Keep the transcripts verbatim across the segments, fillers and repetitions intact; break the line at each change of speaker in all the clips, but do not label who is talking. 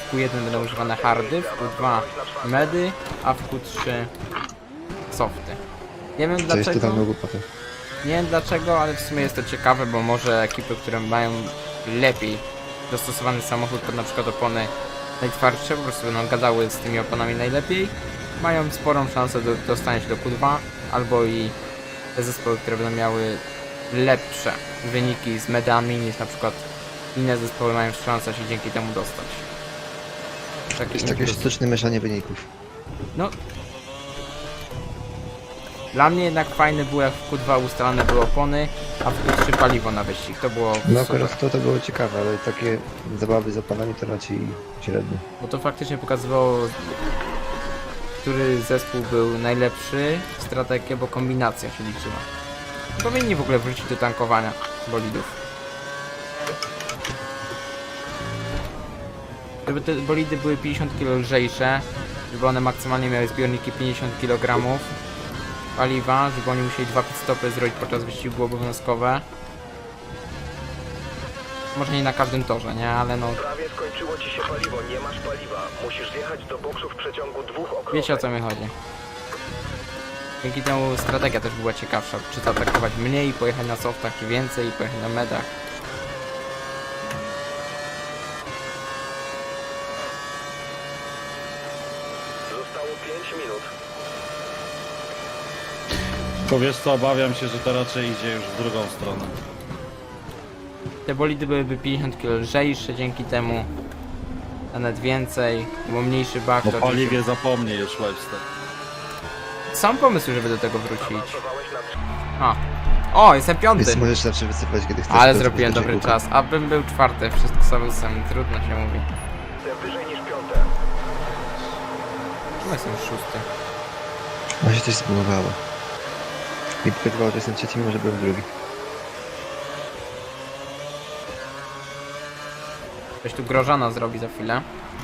w Q jeden będą używane hardy, w Q dwa medy, a w Q trzy softy. Nie wiem
Co jest
dlaczego,
totalną głupotą.
nie wiem dlaczego, ale w sumie jest to ciekawe, bo może ekipy, które mają lepiej dostosowany samochód pod na przykład opony najtwardsze, po prostu będą gadały z tymi oponami najlepiej, mają sporą szansę do dostania się do Q dwa, albo i te zespoły, które będą miały lepsze wyniki z medami niż na przykład inne zespoły mają szansę się dzięki temu dostać. Taki
Jest takie
impuls.
sztuczne mieszanie wyników.
No. Dla mnie jednak fajne było, jak w Q dwa ustalane były opony, a w Q trzy paliwo na wyścig. To było
No
super.
akurat to, to było ciekawe, ale takie zabawy z opanami to raczej średnio.
Bo to faktycznie pokazywało, który zespół był najlepszy w strategię, bo kombinacja się liczyła. Powinni w ogóle wrócić do tankowania bolidów. Żeby te bolidy były pięćdziesiąt kilo lżejsze, żeby one maksymalnie miały zbiorniki pięćdziesiąt kilogramów paliwa, żeby oni musieli dwa pitstopy zrobić podczas wyścigu obowiązkowe. Może nie na każdym torze, nie? Ale no...
Prawie skończyło ci się paliwo, nie masz paliwa. Musisz zjechać do boksu w przeciągu dwóch okrążeń.
Wiecie, o co mi chodzi. Dzięki temu strategia też była ciekawsza. Czy zaatakować mniej, pojechać na softach, czy więcej, pojechać na medach.
Zostało pięć minut.
Tylko wiesz co, obawiam się, że to raczej idzie już w drugą stronę.
Te bolidy byłyby pięćdziesiąt kilo lżejsze dzięki temu. A nawet więcej, bo mniejszy bak.
O
to
paliwie zapomnij już, Webster.
Są pomysły, żeby do tego wrócić.
Awansowałeś na
A. O, jestem piąty.
Więc możesz zawsze wysypać, kiedy chcesz.
Ale
to
zrobiłem
zbyt
dobry
dużo
czas. Abym był czwarty, wszystko sam trudno się mówi.
miejsce wyżej niż piąte.
Czemu jestem szósty?
No się coś zbudowało. Mi pokazywało, że jestem trzeci, mimo że byłem drugi.
Ktoś tu grożana zrobi za chwilę.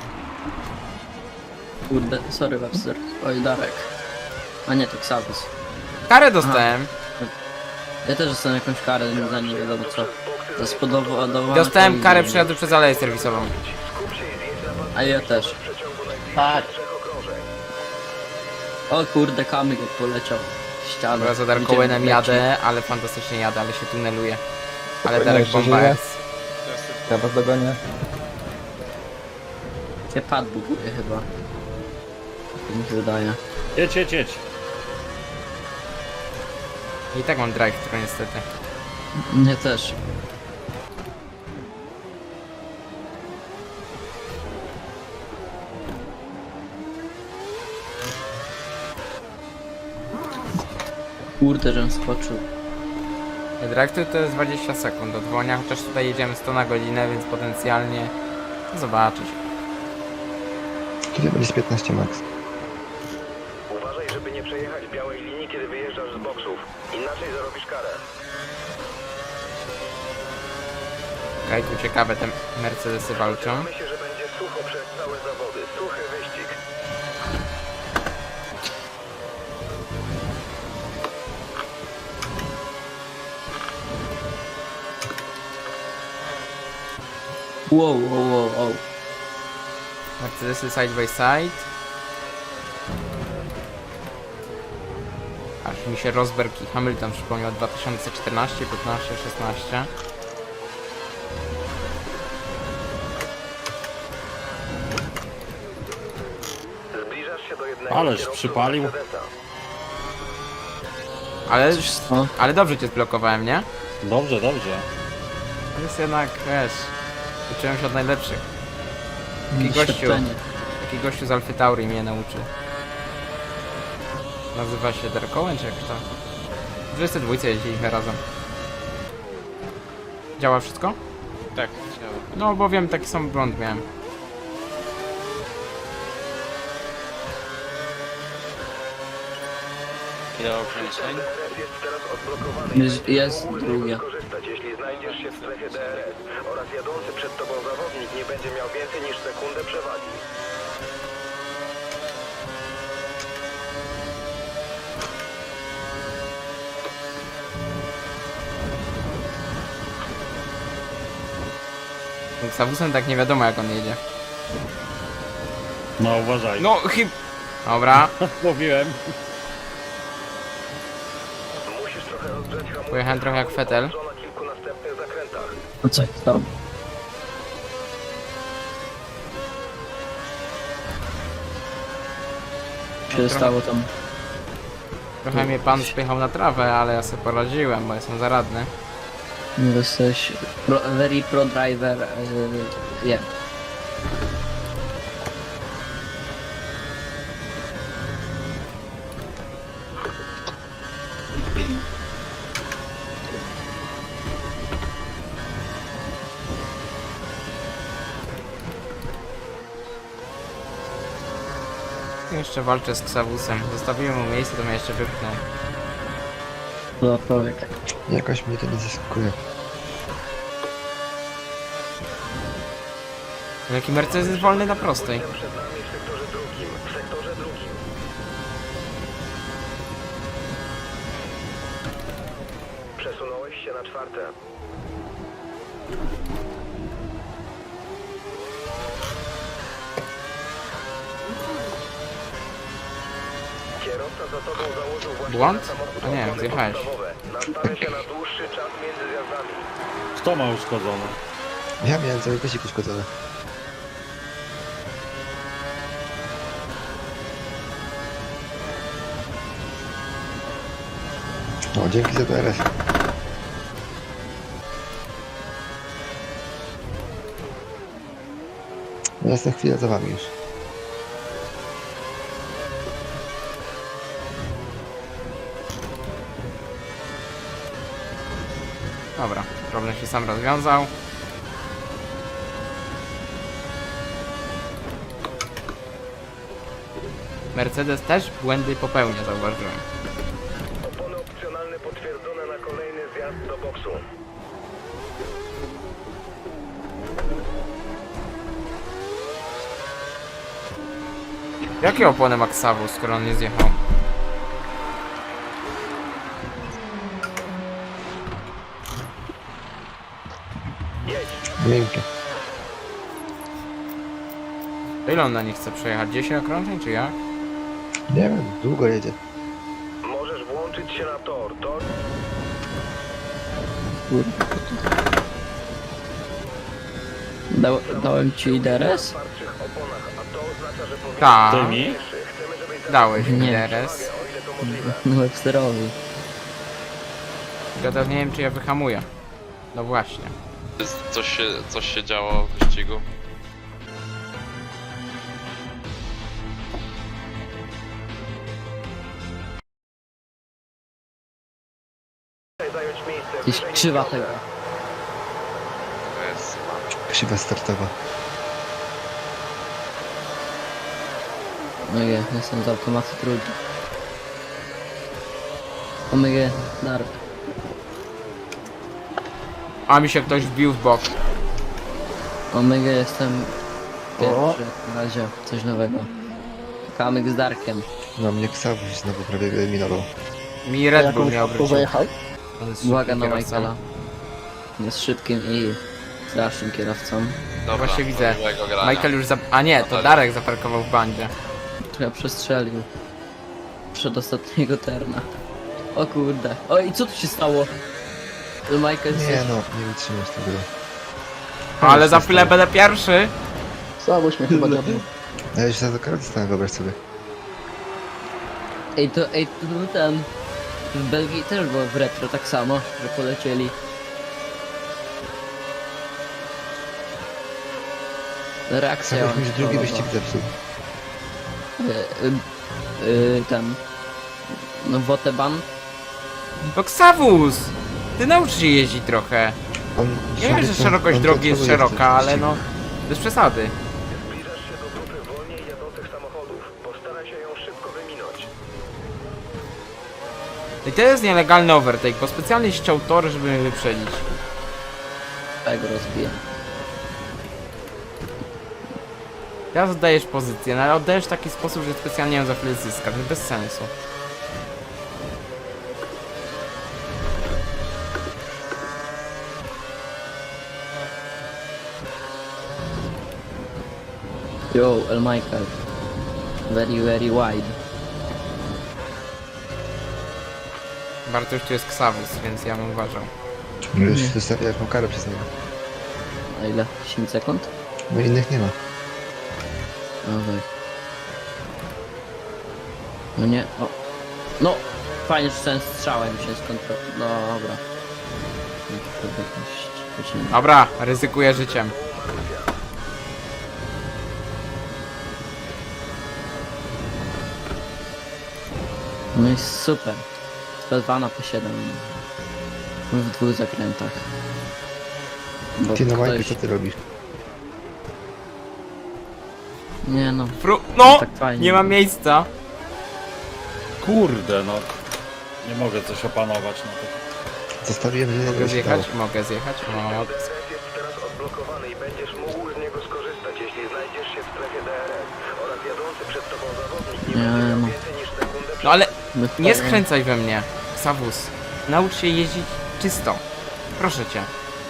Kurde, sorry Webster. Oj, Darek. A nie, to Xavus.
Karę dostałem.
Ja też dostałem jakąś karę za nie wiadomo co. Za spowodowane...
Dostałem
kolizję.
karę przejazdu przez aleję serwisową.
Skup się i zjedź na pas
A ja też.
w przeciągu najbliższych
Tak.
trzech okrążeń.
O kurde, kamyk jak poleciał. w Ścianę.
Bo ja za Darkowenem
Gdzie leci?
jadę, ale fantastycznie jadę, ale się tuneluje. Ale
Spokojnie,
Darek
jeszcze
bomba
żyje.
jest.
Ja was dogonię.
Cię pad buguje chyba. Tak mi się wydaje.
Jedź, jedź, jedź.
I tak mam drive, który niestety.
Mnie też. Kurde, żem skoczył.
Drive to jest dwadzieścia sekund od dwonia, chociaż tutaj jedziemy sto na godzinę, więc potencjalnie zobaczy się.
Kiedy będzie z piętnaście max?
Uważaj, żeby nie przejechać białej linii, kiedy wyjeżdżasz z boksów. Inaczej zarobisz karę.
Okej, tu ciekawe te Mercedesy walczą.
Myślę, że będzie sucho przez całe zawody. Suchy wyścig.
Wow, wow, wow, wow.
Mercedesy side by side. Aż mi się Rosberg i Hamilton przypomniał dwa tysiące czternaście, piętnaście, szesnaście.
Zbliżasz się do jednego
Ależ
kierowców
przypalił.
Mercedesa.
Ale,
O,
ale dobrze cię zblokowałem, nie?
Dobrze, dobrze.
To jest jednak, wiesz, uczyłem się od najlepszych. Taki gościu,
doświadczenie.
taki gościu z Alfy Tauri mnie nauczył. Nazywa się Darek Owen, czy jak to? W dwudziestej dwójce jeździliśmy razem. Działa wszystko?
Tak, chciałem.
No bo wiem, taki sam błąd miałem.
Ile okręceń?
D R S jest teraz odblokowany.
Jest, jest drugie.
Skorzystać, jeśli znajdziesz się w strefie D R S oraz jadący przed tobą zawodnik nie będzie miał więcej niż sekundę przewagi.
Z Avusem tak nie wiadomo jak on jedzie.
No uważaj.
No chyb... Dobra,
Mówiłem.
Musisz trochę rozgrzać hamulce.
pojechałem trochę jak Fetel.
Na kilku następnych zakrętach.
No co jest tam? się stało tam?
Trochę mnie pan spychał na trawę, ale ja sobie poradziłem, bo jestem zaradny.
Nie jesteś pro, very pro driver. Yy, yeah.
Jeszcze walczę z Ksawusem. Zostawiłem mu miejsce, to mnie jeszcze wypchnął.
No człowiek.
Jakoś mnie to nie zaskakuje.
Jaki Mercedes jest wolny na prostej.
Przed nami w sektorze drugim. W sektorze drugim. Przesunąłeś się na czwarte. Kierowca za tobą założył właśnie
Błąd?
na samochód
A nie,
opony
zjechałeś.
podstawowe. Nastawia się na dłuższy czas między zjazdami.
Kto ma uszkodzone?
Ja miałem cały kozik uszkodzony. O, dzięki za D R S. Ja jestem chwilę za wami już.
Dobra, problem się sam rozwiązał. Mercedes też błędy popełnia, zauważyłem.
Opony opcjonalne potwierdzone na kolejny zjazd do boksu.
Jakie opony ma Ksawus, skoro on nie zjechał?
Miękkie.
To ile on na nich chce przejechać? dziesięć okrążeń, czy jak?
Nie wiem, długo jedzie.
Możesz włączyć się na tor. Tor
Dał, dałem ci D R
na
S?
twardszych oponach, a to oznacza, że powinien
Tak,
Ty mi?
Chcemy, żebyś
dałeś mi
Nie.
D R S.
o ile to możliwe.
Websterowi.
Ja teraz nie wiem, czy ja wyhamuję. No właśnie.
Coś się, coś się działo w wyścigu?
Zająć miejsce
Gdzieś
wyżej
krzywa
niż
tego.
To jest...
Krzywa startowa.
No nie, jestem z automatu drugi. Omega, dar.
A mi się ktoś wbił w bok.
Omega jestem pierwszy na razie, coś nowego. Kamyk z Darkiem.
No mnie Ksawuś znowu prawie wyeliminował.
Mi Red Bull miał wrócić. On jest
Uwaga
szybkim
na
kierowcą.
Michaela. Jest szybkim i strasznym kierowcą.
Dobra,
Właśnie widzę.
miłego grania.
Michael już za... A nie, to Darek zaparkował w bandzie.
Trochę przestrzelił. Przed ostatniego terna. O kurde. O i co tu się stało? Michael
Nie
się...
no, nie wytrzymasz tego.
Ale za chwilę będę pierwszy.
Słaboś mnie chyba nie
A ja już za to kartę stałem, wyobraź sobie.
Ej to, ej to był ten... W Belgii też było w retro tak samo, że polecieli. Reakcja.
Ksawuś mi już drugi
kontrolowa.
wyścig zepsuł.
Y, y, y, ten... No Woteban.
To Ksawus! Ty naucz się jeździć trochę.
On
Nie wiem, że szerokość
on
drogi jest
kontroluje
szeroka,
w
ale
wyścigu.
no... Bez przesady.
Zbliżasz się do grupy wolniej jadących samochodów. Postaraj się ją szybko wyminąć.
I to jest nielegalny overtake, bo specjalnie ściął tory, żeby mnie wyprzedzić.
Tak go rozbiję.
Teraz oddajesz pozycję, no ale oddajesz w taki sposób, że specjalnie ją za chwilę zyskasz. No bez sensu.
Yo, El Michael. Very, very wide.
Bartosz tu jest Ksawus, więc ja bym uważał.
Już
Nie.
zostawię jaką karę przez niego.
A ile? dziesięć sekund?
Bo innych nie ma.
No tak. No nie, o. No! Fajnie, że ten strzałem się skontrolował. No dobra. No, to jakoś zaczyna.
Dobra, ryzykuję życiem.
No i super. Z P dwa na P siedem. W dwóch zakrętach. Bo
Ty no Majku,
ktoś-
co ty robisz?
Nie no.
Fru... No!
Tak fajnie.
Nie ma miejsca.
Kurde, no. Nie mogę coś opanować na to.
Zostawiłem, że nie
Mogę
się dało.
zjechać? Mogę zjechać? No.
D R S jest teraz odblokowany i będziesz mógł z niego skorzystać, jeśli znajdziesz się w strefie D R S. Oraz jadący przed tobą zawodnik nie
Nie,
będzie miał
no.
więcej niż sekundę
No ale
My
nie
wpadamy-
skręcaj we mnie, Ksawus. Naucz się jeździć czysto. Proszę cię.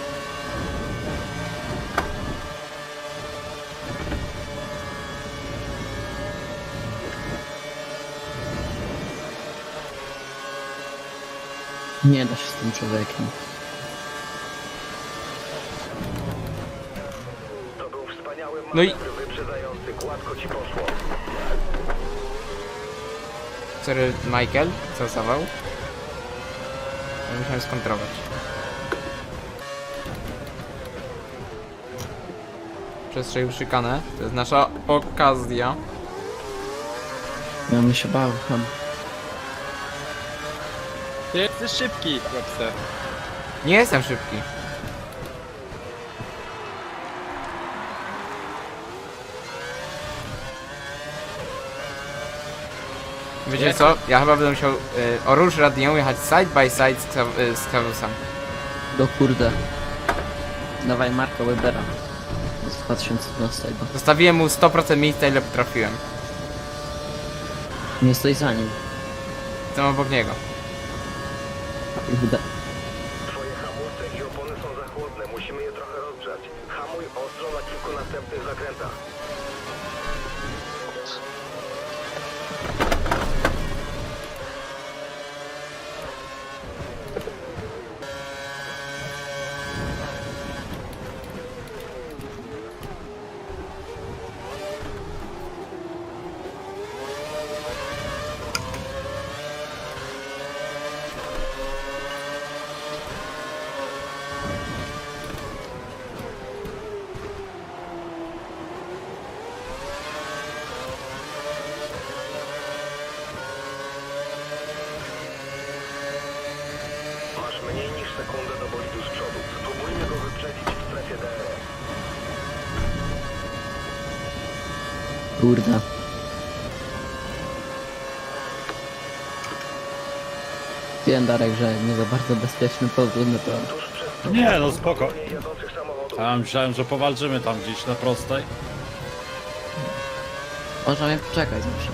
Nie da się z tym człowiekiem.
To był wspaniały
No i-
manewr wyprzedzający, gładko ci poszło.
Sorry, Michael, co zawał? Ja musiałem skontrować. Przestrzelił szykanę. To jest nasza okazja.
Ja bym się bał, ham.
Ty jesteś szybki, Webster.
Nie jestem szybki. Wiecie co? Ja chyba będę musiał y, o róż radią jechać side by side z, Ksa- y, z Kawusem.
Do kurde. Dawaj Marka Webera. Z dwa tysiące dwunastego.
Zostawiłem mu sto procent miejsca, ile potrafiłem.
Nie stoi za nim.
Jestem obok niego.
Kurde.
Twoje hamulce i opony są za chłodne, musimy je trochę rozgrzać. Hamuj ostro na kilku następnych zakrętach. Masz mniej niż sekundę do bolidu z przodu. Spróbujmy go wyprzedzić w strefie D R S.
Kurde. Wiem, Darek, że nie za bardzo bezpieczny powrót na to.
Tuż przed tobą
Nie, no spoko.
jadących samochodów.
A ja myślałem, że powalczymy tam gdzieś na prostej.
Można mnie poczekać zawsze.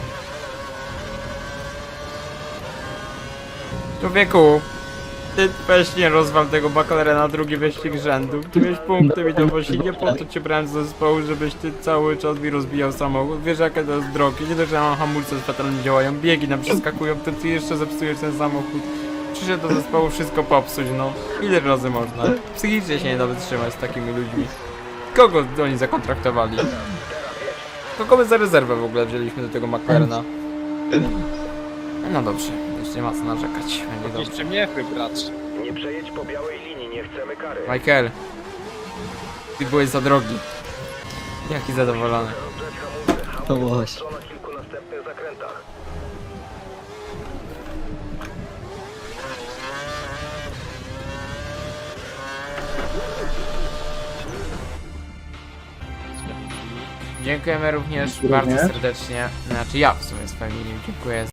Człowieku, ty weź nie rozwal tego bakalera na drugi wyścig rzędu. Ty miałeś punkty mi dowozi, nie po to cię brałem z zespołu, żebyś ty cały czas mi rozbijał samochód. Wiesz jakie to jest drogie, nie dość, że ja mam hamulce fatalnie działają, biegi nam przeskakują, to ty jeszcze zepsujesz ten samochód. Przyszedł do zespołu wszystko popsuć, no. Ile razy można? Psychicznie się nie da wytrzymać z takimi ludźmi. Kogo oni zakontraktowali? Kogo my za rezerwę w ogóle wzięliśmy do tego McLarena? No dobrze, już nie ma co narzekać, będzie dobrze.
Jeszcze mnie wybrać.
Nie przejedź po białej linii, nie chcemy kary.
Michael, ty byłeś za drogi. Jaki zadowolony.
Rozgrzać hamulce. Hamuj
To było
ostro na kilku następnych zakrętach.
Dziękujemy również bardzo serdecznie. Znaczy ja w sumie z familii dziękuję